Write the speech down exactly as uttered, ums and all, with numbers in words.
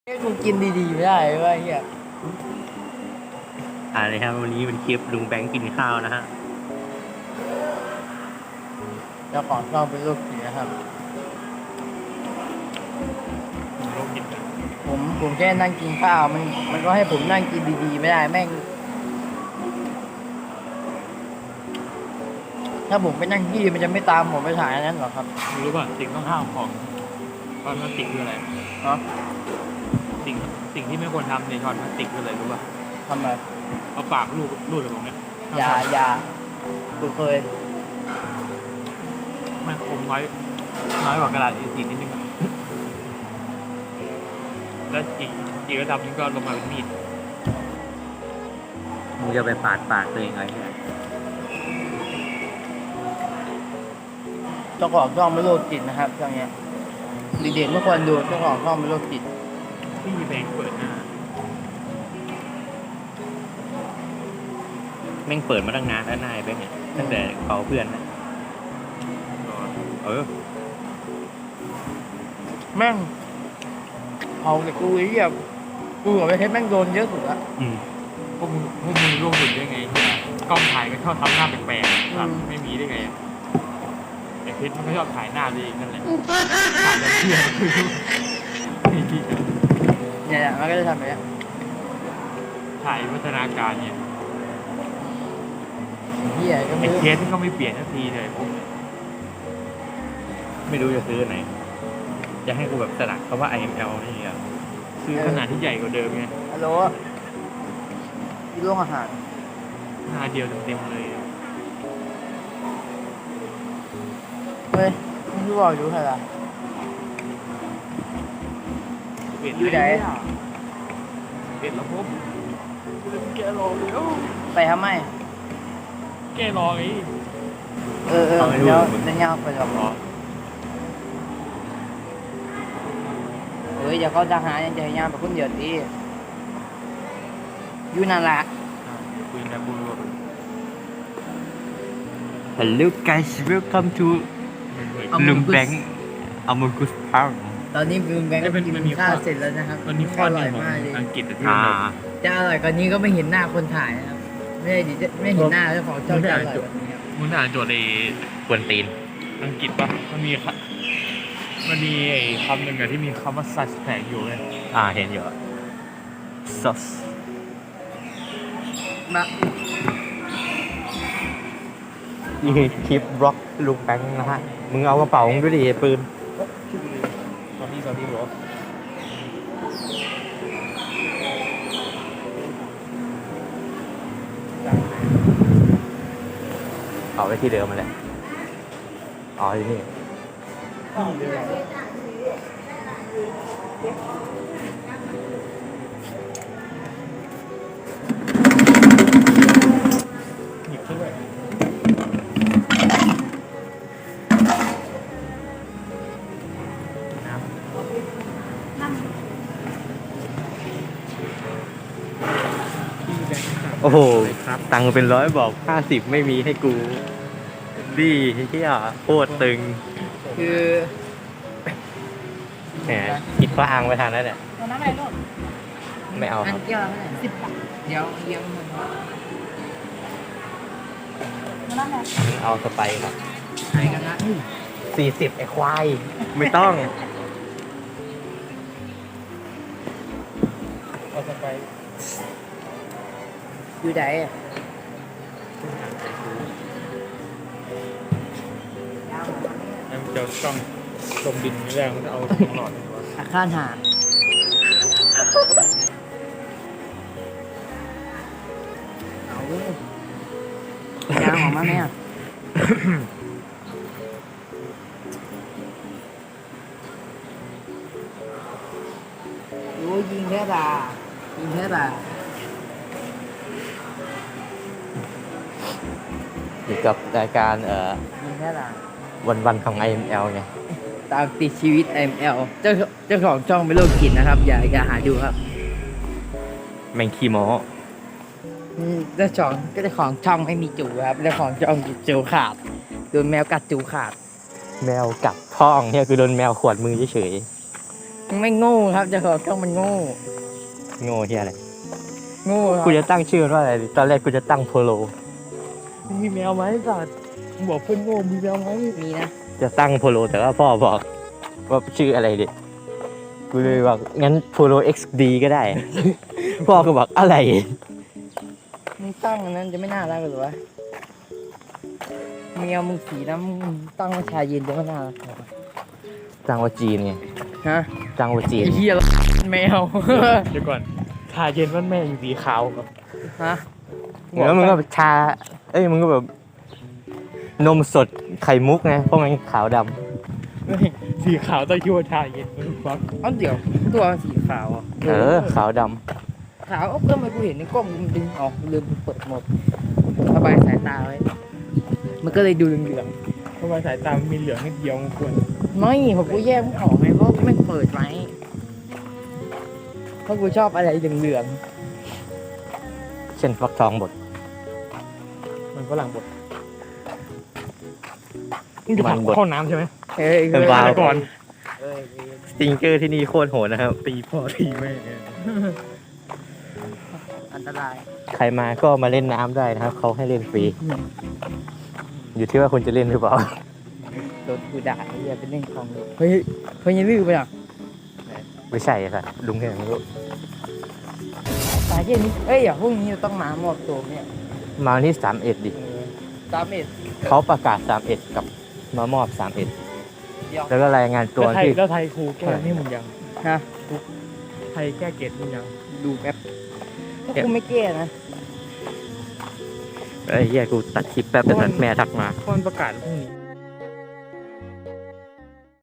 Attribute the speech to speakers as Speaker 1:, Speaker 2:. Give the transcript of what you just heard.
Speaker 1: ให้กูกินดีๆไม่ได้เว้ยเฮีย
Speaker 2: อ่าเลยครับวันนี้เป็นคลิปลุงแบงค์กินข้าวนะฮะ
Speaker 1: เจ้าของช่องเป็นลูกผีนะครับผมผมแค่นั่งกินข้าวมันมันก็ให้ผมนั่งกินดีๆไม่ได้แม่งถ้าผมไปนั่งที่มันจะไม่ตามผมไปถ่ายอันนั้นหรอครับ
Speaker 3: รู้ป่ะสิ่งต้องห้ามของช้อนพลาสติกคืออะไร
Speaker 1: เนาะ
Speaker 3: สิ่งสิ่งที่ไม่ควรทำในช้อนพลาสติกคืออะไรรู้ป่ะ
Speaker 1: ทำไม
Speaker 3: เอาปากลูบลูบแบบนี้
Speaker 1: อย่าอย่ากูเคย
Speaker 3: มันคมน้อยน้อยกว่ากระดาษ เอ สี่ นิดนึงอะแล้วอีกอีกระดับนึงก็ลงมาเป็นมีด
Speaker 2: มึงจะไปปาดปากตัวเองไงเนี่ย
Speaker 1: เจ้าของช่องเป็นโรคจิตนะครับช่องเนี้ยเด็กๆไม่ควรดูเจ้าของช่องเป็นโรคจิต
Speaker 3: ที่มีแบงค์เปิดหน้า
Speaker 2: แม่งเปิดมาตั้งนานแล้วนายแบงค์เนี่ยตั้งแต่เขาเพื่อนนะเออ
Speaker 1: แม่งเอาแต่กูไอ้เหี้ยกูกับไอ้เพชรแม่งโดนเยอะสุดละ
Speaker 2: อืม
Speaker 3: พวกมึงพวกมึงร่วมถึงได้ไงกล้องถ่ายก็ชอบทำหน้าแปลกๆครับไม่มีได้ไงไอ้เพชรมันก็ชอบถ่ายหน้าตัวเองนั่นแหละถ่ายแล้วเที่ยว
Speaker 1: เนี่ยมันก็จะทำแบบนี้
Speaker 3: ถ่ายวัฒนาการเนี่ย
Speaker 1: เหี้ยก็ไม่
Speaker 3: ไอ้
Speaker 1: รู้
Speaker 3: เคสก็ไม่เปลี่ยนสักทีเลยผม
Speaker 2: ไม่รู้จะซื้อไหนจะให้กูแบบสลักคำว่า ไอ เอ็ม แอล นี่อ่ะ
Speaker 3: ซื้อขนาดที่ใหญ่กว่าเดิมไง
Speaker 1: ฮัลโหลที่โรงอาหาร
Speaker 3: หน้าเดียวเต็มๆเลย
Speaker 1: เฮ้ยมึงรู้บอกอยู่ใครล่ะอยู่ไหน
Speaker 3: เปลี่ยนแล้วผมแกรอแล้ว
Speaker 1: ไปทำไม
Speaker 3: แกรอไง
Speaker 1: เออเออเดี๋ยวจะย่างไปหรอเฮ้ยอย่าเขาทหารยังจะย่างไปคนเดียวดีอยู่นั่นแหละ
Speaker 3: คุยกันบูร
Speaker 2: Hello guys welcome to ลุงแบงค์อมกุสพัง
Speaker 1: ตอนนี้ลุงแบงค์กินข้าวเสร็จแล้วนะครับ
Speaker 3: มันมีข้อหนึ่งของอังกฤษที่
Speaker 1: จะอร่อยกว่านี้ก็ไม่เห็นหน้าคนถ่ายนะครับไม่ไม่เห็นหน้าเจ้าของช่องจะอร่อยกว่านี้ครับ
Speaker 3: มึงอ่านโจทย์ใน
Speaker 2: กวนตีน
Speaker 3: อังกฤษปะมันมีมันมีไอ้คำหนึ่งอะที่มีคำว่า suspect อยู่เลย
Speaker 2: อ่าเห็นอยู่ sus
Speaker 1: มา
Speaker 2: นี่คือคลิปบล็อกลุงแบงค์นะฮะมึงเอากระเป๋ามึงด้วยดิปืน
Speaker 3: ตอนนี้ตอนนี้หรอ
Speaker 2: เอาไว้ที่เดิมมาแหละอ๋อที่นี่
Speaker 3: หยิบด้วย
Speaker 2: โอ้โหตังค์เป็นร้อยบอกห้าสิบไม่มีให้กูดีเฮียโคตรตึง
Speaker 1: คือ
Speaker 2: แหมคิดว่าอ้างไว้ทางนั้นแหละ
Speaker 1: น้ำอะไรลูก
Speaker 2: ไม่เอา
Speaker 1: ครับเกี่ยวอะไรสิบบาทเดี๋ยวเยี่ยมมันน้ำอะไร
Speaker 2: เอาสไปครับ
Speaker 1: ใช่กันนะ
Speaker 2: สี่สิบไอ้ควายไม่ต้อง
Speaker 3: เอาสไป
Speaker 1: อยู่ไหน
Speaker 3: นั่นจะต้องจมดินแรงมันจะเอาหลอด
Speaker 1: อาคารหาเอายางออกมาไหมอ่ะรู้ยิงแค่บ่ายิงแค่บ่า
Speaker 2: อยู่กับรายการเอ่อ
Speaker 1: ยิงแค่บ่า
Speaker 2: วันวันของ ไอ เอ็ม แอล ไง
Speaker 1: ตามติดชีวิต ไอ เอ็ม แอล เจ้าเจ้าของช่องเป็นโรคจิตนะครับอย่าอย่าหาดูครับ
Speaker 2: แมงคีโม
Speaker 1: เจ้าของเจ้าของช่องไม่มีจูครับเจ้าของช่องจูขาดโดนแมวกัดจูขาด
Speaker 2: แมวกัดท้องเนี่ยคือโดนแมวขวดมือเฉย
Speaker 1: มึงไม่โง่ครับเจะของช่องมันโง่
Speaker 2: โง่ที่อะไร
Speaker 1: โง่ครับ
Speaker 2: กูจะตั้งชื่อมันว่าอะไรดีตอนแรกกูจะตั้งโพโล
Speaker 3: มีแมวไหมสัตว์มึงบอกเพื่อนโง่มีแมวไหม
Speaker 1: มีนะ
Speaker 2: จะตั้งโพโลแต่ว่าพ่อบอกว่าชื่ออะไรดิกูเลยบอกงั้นโพโล เอ็กซ์ ดี ก็ได้ พ่อก็บอกอะไร
Speaker 1: มึงตั้งอันนั้นจะไม่น่ารักหรือวะเมียมึงสีน้ำมึงตั้งว่าชายเย็นจะไม่น่ารักหรอวะ
Speaker 2: ตั้งว่าจีนไง
Speaker 1: ฮะ
Speaker 2: ตั้งว่าจีน
Speaker 1: ไอ้เหี้ยแมว
Speaker 3: เดี๋ยวก่อนชาเย็นมันแม่อยู่สีขาวครับ
Speaker 1: ฮะ
Speaker 2: แล้วมึงก็แบบชา เอ้ยมึงก็แบบนมสดไข่มุกไงเพราะมันขาวด
Speaker 3: ไม่สีขาวต้องคิดว่าชาเย็นมันฟัก
Speaker 1: เอ้าเดี๋ยวตัวมันสีขาวอ่ะ
Speaker 2: ำเออขาวด
Speaker 1: ขาวเอ้าเพิ่มไปกูเห็นในกล้องมันดึงออกลืมเปิดโหมดระบายสายตาไว้ มันก็เลยดูเหลือง
Speaker 3: เพราะว่าสายตามันมีเหลืองนิดเดียวมันควร
Speaker 1: ๆไม่ผมกูแยกไม่ออกไงเพราะไม่เปิดไว้เพราะกูชอบอะไรเหลือง
Speaker 2: ำเช่นฟักทองบด
Speaker 3: มันฝรั่งบดมึงจะ
Speaker 2: มันบด
Speaker 3: ทำข้อน้ำใช่ไหม
Speaker 1: ๆเอ้ย
Speaker 2: เป็นวาว
Speaker 3: ก่อน
Speaker 1: เอ้ย
Speaker 2: สติงเกอร์ที่นี่โคตรโหดนะครับ
Speaker 3: ตีพ่อตีแม่
Speaker 1: อันตราย
Speaker 2: ใครมาก็มาเล่นน้ำได้นะครับ เขาให้เล่นฟรี อยู่ที่ว่าคุณจะเล่นหรือเปล่า
Speaker 1: โดนกูด่าไอ้เหี้ยเป็นเล่นของเลยเฮ้ยเฮ้ยอยังลื้อไปอ่ะ
Speaker 2: ไม่ใช่ค่ะลุงแค่ไม่รู้
Speaker 1: สายเย็นนี้เอ้ยอย่าพรุ่งนี้เราต้องมามอบตัวเนี่ย
Speaker 2: มาวันที่สามเอ็ดดิ
Speaker 1: สามเอ็ด
Speaker 2: เขาประกาศสามเอ็ดกับมามอบสามเอ็ด
Speaker 1: เดียว
Speaker 2: แล้วก็รายงานตัว
Speaker 3: แล้วไทย
Speaker 2: ที่
Speaker 3: แล้วไทยครูแก้นี่มึงยัง
Speaker 1: ฮะ
Speaker 3: ไทยแก้เกรดมึงยัง
Speaker 1: ดูแป๊บถ้ากูไม่แก้นะ
Speaker 2: ไอ้เหี้ยกูตัดคลิปแป๊บแต่แม่ทักมา
Speaker 3: เพราะมันประกาศพรุ่งนี้